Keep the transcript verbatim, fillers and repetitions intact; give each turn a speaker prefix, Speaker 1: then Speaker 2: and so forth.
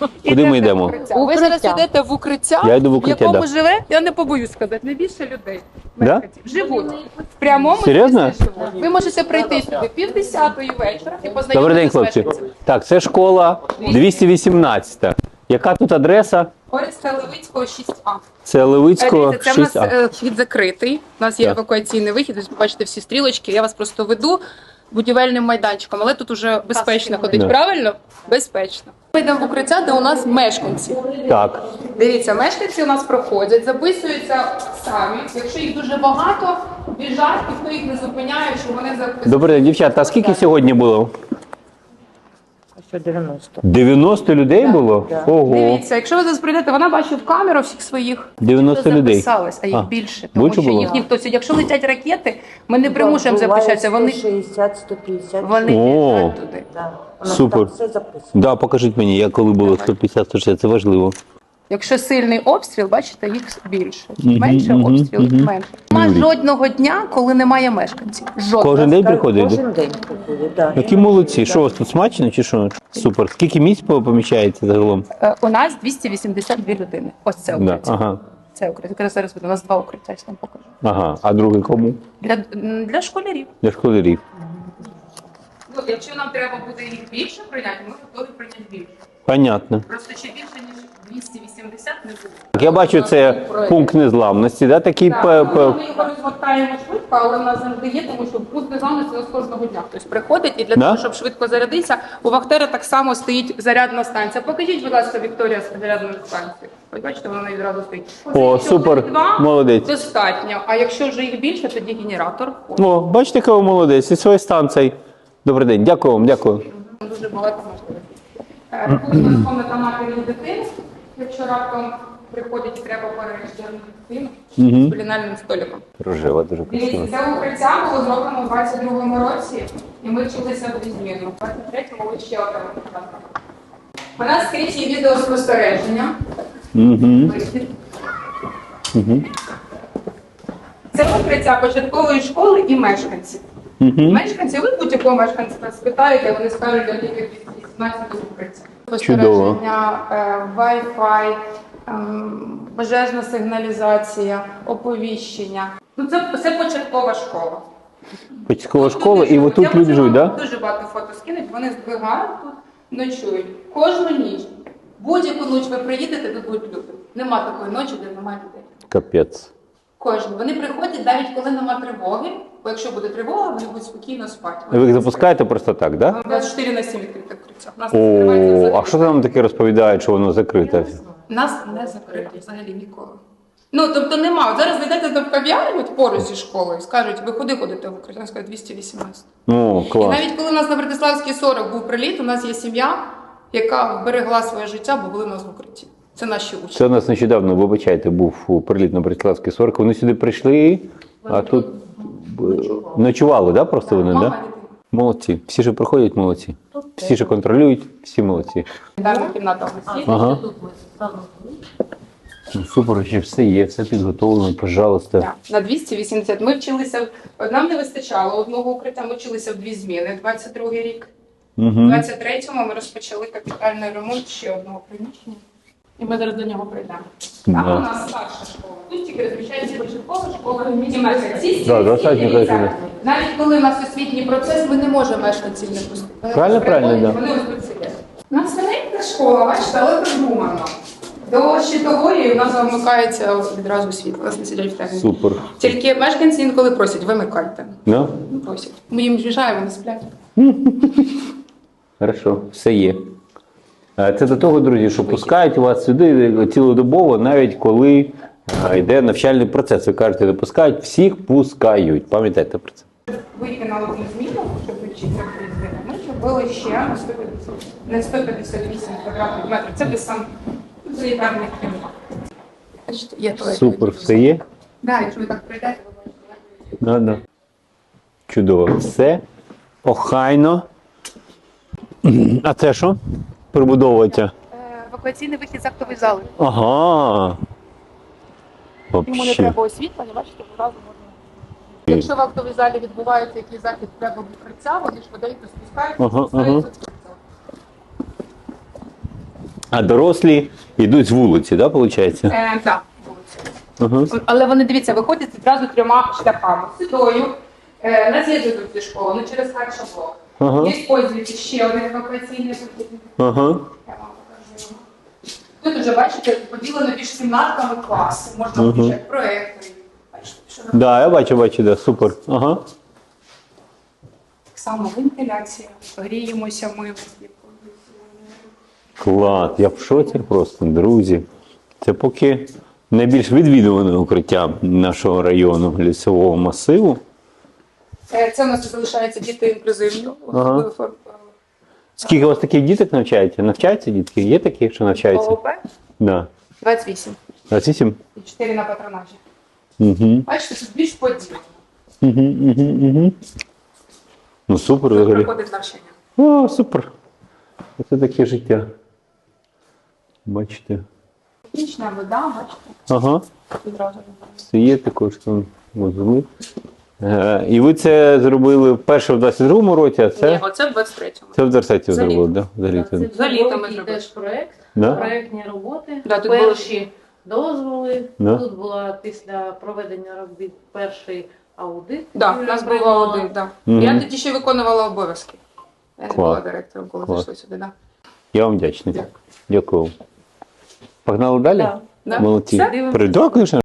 Speaker 1: Куди ми йдемо?
Speaker 2: укриття. Ви зараз йдете в укриття,
Speaker 1: Я йду в
Speaker 2: в
Speaker 1: укриття,
Speaker 2: якому
Speaker 1: да.
Speaker 2: живе, я не побоюсь сказати, найбільше людей.
Speaker 1: Да?
Speaker 2: Мешканців. Живуть. В прямому
Speaker 1: Серйозно?
Speaker 2: смислі живуть. Ви можете прийти сюди півдесятої вечора і познайомитися
Speaker 1: Добрий день,
Speaker 2: з
Speaker 1: хлопці.
Speaker 2: мешканцями.
Speaker 1: Так, це школа двісті вісімнадцята. Яка тут адреса?
Speaker 2: Ореста Левицького, шість А.
Speaker 1: Це Левицького,
Speaker 2: Дивіться, це в
Speaker 1: шість А.
Speaker 2: нас е, вхід закритий. У нас є
Speaker 1: Так.
Speaker 2: евакуаційний вихід, ви бачите всі стрілочки. Я вас просто веду будівельним майданчиком, але тут уже безпечно ходить,
Speaker 1: Да.
Speaker 2: правильно? Безпечно. Ми йдемо в укриття, де у нас мешканці.
Speaker 1: Так.
Speaker 2: Дивіться, мешканці у нас проходять, записуються самі. Якщо їх дуже багато, біжать, ніхто їх не зупиняє, що вони записують.
Speaker 1: Добрий день, дівчата. А скільки сьогодні було?
Speaker 3: дев'яносто.
Speaker 1: дев'яносто людей було?
Speaker 3: Да.
Speaker 1: Ого.
Speaker 2: Дивіться, якщо ви зараз прийдете, вона бачить в камеру всіх своїх.
Speaker 1: дев'яносто
Speaker 2: хто
Speaker 1: людей.
Speaker 2: записалось, а їх
Speaker 1: А,
Speaker 2: більше. Тому
Speaker 1: більше
Speaker 2: що
Speaker 1: було?
Speaker 2: їх ніхто сьогодні. Якщо летять ракети, ми не примушуємо записатися. Вони,
Speaker 3: шістдесят, сто п'ятдесят.
Speaker 2: вони
Speaker 1: О.
Speaker 2: біжать туди.
Speaker 3: Да. У нас
Speaker 1: Супер.
Speaker 3: там все записано.
Speaker 1: Да, покажіть мені, я коли було сто п'ятдесят сто шістдесят, це важливо.
Speaker 2: Якщо сильний обстріл, бачите, їх більше.
Speaker 1: Мгм,
Speaker 2: Менше
Speaker 1: мгм,
Speaker 2: обстріл, їх
Speaker 1: мгм.
Speaker 2: менше. Нема
Speaker 1: Юрій.
Speaker 2: жодного дня, коли немає мешканців. Жодного.
Speaker 1: Кожен день приходить?
Speaker 3: Кожен день приходить, да.
Speaker 1: Які молодці. Що у вас тут смачно чи що? Супер. Скільки місць поміщається загалом?
Speaker 2: Е, У нас двісті вісімдесят дві людини. Ось це
Speaker 1: Да.
Speaker 2: укриття.
Speaker 1: Ага.
Speaker 2: Це укриття. Якраз зараз буде. У нас два укриття, я вам покажу.
Speaker 1: Ага. А другий кому?
Speaker 2: Для, м, для школярів.
Speaker 1: Для школярів.
Speaker 2: Ну, якщо нам треба буде їх більше прийняти, ми готові прийняти більше.
Speaker 1: Понятно.
Speaker 2: Просто ще більше, ніж двісті вісімдесят не буде.
Speaker 1: Так, я бачу, це пункт незламності, да? Такий
Speaker 2: Так,
Speaker 1: п-
Speaker 2: ми
Speaker 1: п-
Speaker 2: його розгортаємо швидко, але в нас завжди є, тому що пункт незламності у нас кожного дня хтось приходить, і для
Speaker 1: Да?
Speaker 2: того, щоб швидко зарядитися, у Вахтера так само стоїть зарядна станція. Покажіть, будь ласка, Вікторія, з зарядної станції. Ось бачите, вона відразу стоїть.
Speaker 1: О,
Speaker 2: Якщо
Speaker 1: супер,
Speaker 2: буде два,
Speaker 1: молодець.
Speaker 2: достатньо. А якщо вже їх більше, тоді генератор.
Speaker 1: О, бачите, який ви молодець, і своєї станції. Добрий день, дякую вам, дякую.
Speaker 2: Дуже багато можливостей. Е, Тут у нас комната матері і дитини. Якщо раптом приходить і треба переїжджати дитину
Speaker 1: Мгм.
Speaker 2: з кулінарним столиком.
Speaker 1: Рожева, дуже красиво.
Speaker 2: Дивіться, це укриття було зроблено у двадцять другому році, і ми вчилися в зміну. У двадцять третьому ще одне укриття. У нас скрізь є відеоспостереження.
Speaker 1: Угу.
Speaker 2: Вихід.
Speaker 1: Угу.
Speaker 2: Це укриття початкової школи і мешканців.
Speaker 1: Угу.
Speaker 2: Мешканці, ви будь-якого мешканця спитаєте, вони скажуть, я тільки вісімнадцять укриття.
Speaker 1: Чудово.
Speaker 2: Спостереження, е, Wi-Fi, ем, пожежна сигналізація, оповіщення. Ну, це, це початкова школа.
Speaker 1: Початкова
Speaker 2: Тут
Speaker 1: школа, і
Speaker 2: живуть.
Speaker 1: отут
Speaker 2: Я
Speaker 1: люди
Speaker 2: можу
Speaker 1: живуть,
Speaker 2: вам
Speaker 1: так? Да?
Speaker 2: дуже багато фото скинуть, вони збігають тут, ночують. Кожну ніч. Будь-яку ніч ви приїдете, тут будуть люди. Нема такої ночі, де немає людей.
Speaker 1: Капець.
Speaker 2: Кожну. Вони приходять навіть коли нема тривоги, бо якщо буде тривога, вони будуть спокійно спати.
Speaker 1: Ви їх запускаєте просто так, так? Да?
Speaker 2: У нас чотири на сім відкрите укриття. У нас не закривається
Speaker 1: О,
Speaker 2: взагалі.
Speaker 1: а що там таке розповідають, що воно закрите?
Speaker 2: У нас не закрито взагалі ніколи. Ну, тобто нема. От зараз зайдете до кав'ярні от поруч зі школою і скажуть, ви куди ходите в укриття? Вони скажуть двісті вісімнадцять.
Speaker 1: Ну,
Speaker 2: І
Speaker 1: клас.
Speaker 2: навіть коли у нас на Братиславській сорок був приліт, у нас є сім'я, яка вберегла своє життя, бо були в нас в укритті. Це наші учні.
Speaker 1: Це у нас нещодавно, вибачайте, був приліт на Братиславський сорок. Вони сюди прийшли, а тут б- ночували, да, просто вони,
Speaker 2: Мама,
Speaker 1: да?
Speaker 2: дитина.
Speaker 1: Молодці. Всі ж приходять, молодці. Всі ж контролюють, всі молодці.
Speaker 2: Санітарна кімната у нас є.
Speaker 1: Ага. Ну, супер, ще все є, все підготовлено, пожалуйста.
Speaker 2: Так, на двісті вісімдесят. Ми вчилися, в- нам не вистачало одного укриття, ми вчилися в дві зміни, двадцять другий рік. У
Speaker 1: Угу.
Speaker 2: двадцять третьому ми розпочали капітальний ремонт ще одного приміщення. І ми зараз до нього прийдемо. Там
Speaker 1: Да.
Speaker 2: у нас старша школа. Тут тільки розміщається початкова школа і мешканці.
Speaker 1: Да, достатньо, конечно.
Speaker 2: Навіть коли у нас освітній процес, ми не можемо мешканців не пустити. Вони
Speaker 1: Правильно,
Speaker 2: приходять,
Speaker 1: правильно, да.
Speaker 2: Вони ось тут сидять. У нас маленька школа, бачите, але продумана. До щитової у нас замикається відразу світло, у нас не сидять в темі.
Speaker 1: Супер.
Speaker 2: Тільки мешканці інколи просять, вимикайте.
Speaker 1: Да?
Speaker 2: Ну, просять. Ми їм звіжаємо, вони сплять.
Speaker 1: Хорошо, все є. Е, Це до того, друзі, що пускають вас сюди цілодобово, навіть коли е, йде навчальний процес. Ви кажете, не пускають, всіх пускають. Пам'ятайте про це.
Speaker 2: Вийти на одну зміну, щоб вчитися в дві зміни. Ми зробили ще на сто п'ятдесят, не сто п'ятдесят вісім квадратних метрів. Це десь сам санітарний кімнат. Бачите, є туалет.
Speaker 1: Супер, все є?
Speaker 2: Да, якщо ви так прийдете, ви бачите.
Speaker 1: Да, да. Чудово. Все охайно. А це що? Прибудовується?
Speaker 2: Е, Евакуаційний вихід з актової зали.
Speaker 1: Ага.
Speaker 2: Йому не
Speaker 1: Вообще.
Speaker 2: треба освітлення, бачите, одразу можна. Якщо в актовій залі відбувається якийсь захід, треба укриття, вони швиденько спускаються,
Speaker 1: Ага,
Speaker 2: спускаються.
Speaker 1: А дорослі йдуть з вулиці, да, виходить?
Speaker 2: Е, так, вулиця.
Speaker 1: Ага.
Speaker 2: Але вони, дивіться, виходять одразу трьома шляхами. Сюдою, е, на з'їзду тут зі школи, не через харчовий блок.
Speaker 1: Ага.
Speaker 2: Є пользується ще один евакуаційний пункт.
Speaker 1: Ага.
Speaker 2: Я вам покажу. Тут вже, бачите, поділено між кімнатками класу. Можна
Speaker 1: Мгм.
Speaker 2: включати проєктори. Бачите, що робити.
Speaker 1: Да, я бачу, бачу, да, супер. Ага.
Speaker 2: Так само вентиляція. Гріємося ми.
Speaker 1: Клас, я в шоці просто, друзі. Це поки найбільш відвідуване укриття нашого району лісового масиву.
Speaker 2: Е, Це у нас залишаються діти інклюзивні.
Speaker 1: Ага.
Speaker 2: Особливо фор-
Speaker 1: Скільки у вас таких діток навчається? Навчаються дітки? Є такі, що навчаються?
Speaker 2: ООП
Speaker 1: Да.
Speaker 2: двадцять вісім.
Speaker 1: двадцять вісім?
Speaker 2: І чотири на патронажі.
Speaker 1: Угу.
Speaker 2: Бачите, тут більш поділено.
Speaker 1: Угу, угу, угу. Ну супер
Speaker 2: Тут
Speaker 1: взагалі.
Speaker 2: проходить навчання.
Speaker 1: О, супер. Це таке життя. Бачите.
Speaker 2: Технічна вода, бачите,
Speaker 1: Ага.
Speaker 2: відразу.
Speaker 1: Це є також там вузли. Е, і ви це зробили вперше в двадцять другому році, а
Speaker 2: Ні,
Speaker 1: це,
Speaker 2: оце в двадцять третьому.
Speaker 1: це в двадцятому
Speaker 2: За літо.
Speaker 1: зробили, да? За літо.
Speaker 3: Це
Speaker 2: За літо ми
Speaker 3: великий
Speaker 2: зробили.
Speaker 3: теж проєкт,
Speaker 1: Да?
Speaker 3: проєктні роботи.
Speaker 2: Да, тут
Speaker 3: Перші дозволи.
Speaker 1: Да.
Speaker 3: Тут була після проведення робіт перший аудит.
Speaker 2: Так, у
Speaker 3: Юлія
Speaker 2: нас був
Speaker 3: приймала.
Speaker 2: аудит, так.
Speaker 1: Мгм.
Speaker 2: Я тоді ще виконувала обов'язки. Я не
Speaker 1: Клас.
Speaker 2: була директором, коли
Speaker 1: Клас.
Speaker 2: зайшли сюди, так.
Speaker 1: Я вам вдячний.
Speaker 2: Дякую.
Speaker 1: Дякую. Погнали далі?
Speaker 3: Да.
Speaker 2: Да.
Speaker 1: Молодці.
Speaker 2: Все, дивимося.
Speaker 1: Передякую,